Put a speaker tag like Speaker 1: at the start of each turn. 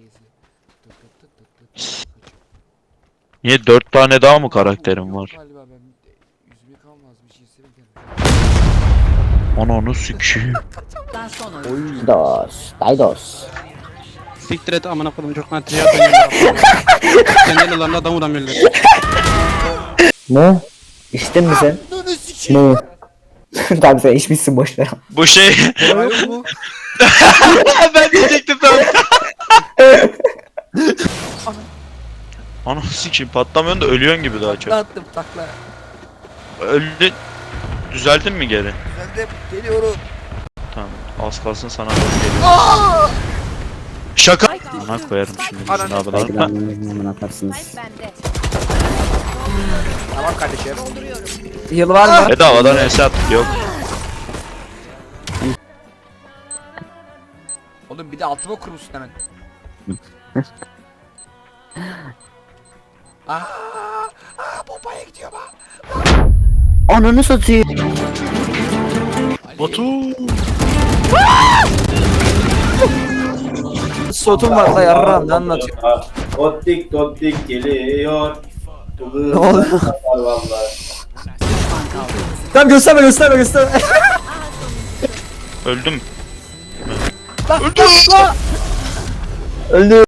Speaker 1: Niye 4 tane daha mı karakterim var?
Speaker 2: Galiba ben yüzümü kalmaz bir şey istedim.
Speaker 1: Onu sikiyim.
Speaker 3: Dan son oyun.
Speaker 4: Dos. Daydos.
Speaker 5: Siktir et amına koydum çok nadir ya ben. Kendi ellerinde adam vuramıyorlar.
Speaker 4: Ne? İçtin mi sen? Ne? Tamam sen içmişsin boşver.
Speaker 1: Bu şey...
Speaker 2: Yok mu?
Speaker 1: Ben diyecektim tam. Ananı sikiyim, patlamıyorsun da ölüyorsun gibi daha çok.
Speaker 2: Attım takla.
Speaker 1: Öldün. Düzeldin mi geri?
Speaker 2: Düzeldim. Geliyorum.
Speaker 1: Tamam. Az kalsın sana doğru geliyor. Şaka. Buna koyarım şimdi bizim
Speaker 4: Belki
Speaker 1: abiler.
Speaker 4: ben atarsınız.
Speaker 3: Bende.
Speaker 2: Tamam kardeşim.
Speaker 4: Yıl var mı?
Speaker 1: Bedavadan hesap yok.
Speaker 2: Oğlum bir de altıma kurmuşsun hemen. Bombaya gidiyor bak.
Speaker 4: Ananı satayım.
Speaker 1: Batu.
Speaker 4: Sotum var la yarram ne anlatıyor?
Speaker 6: Dottik geliyor.
Speaker 4: Ne oldu?
Speaker 6: Vallahi.
Speaker 4: Tamam gösterme.
Speaker 1: Öldüm.
Speaker 4: Öldü.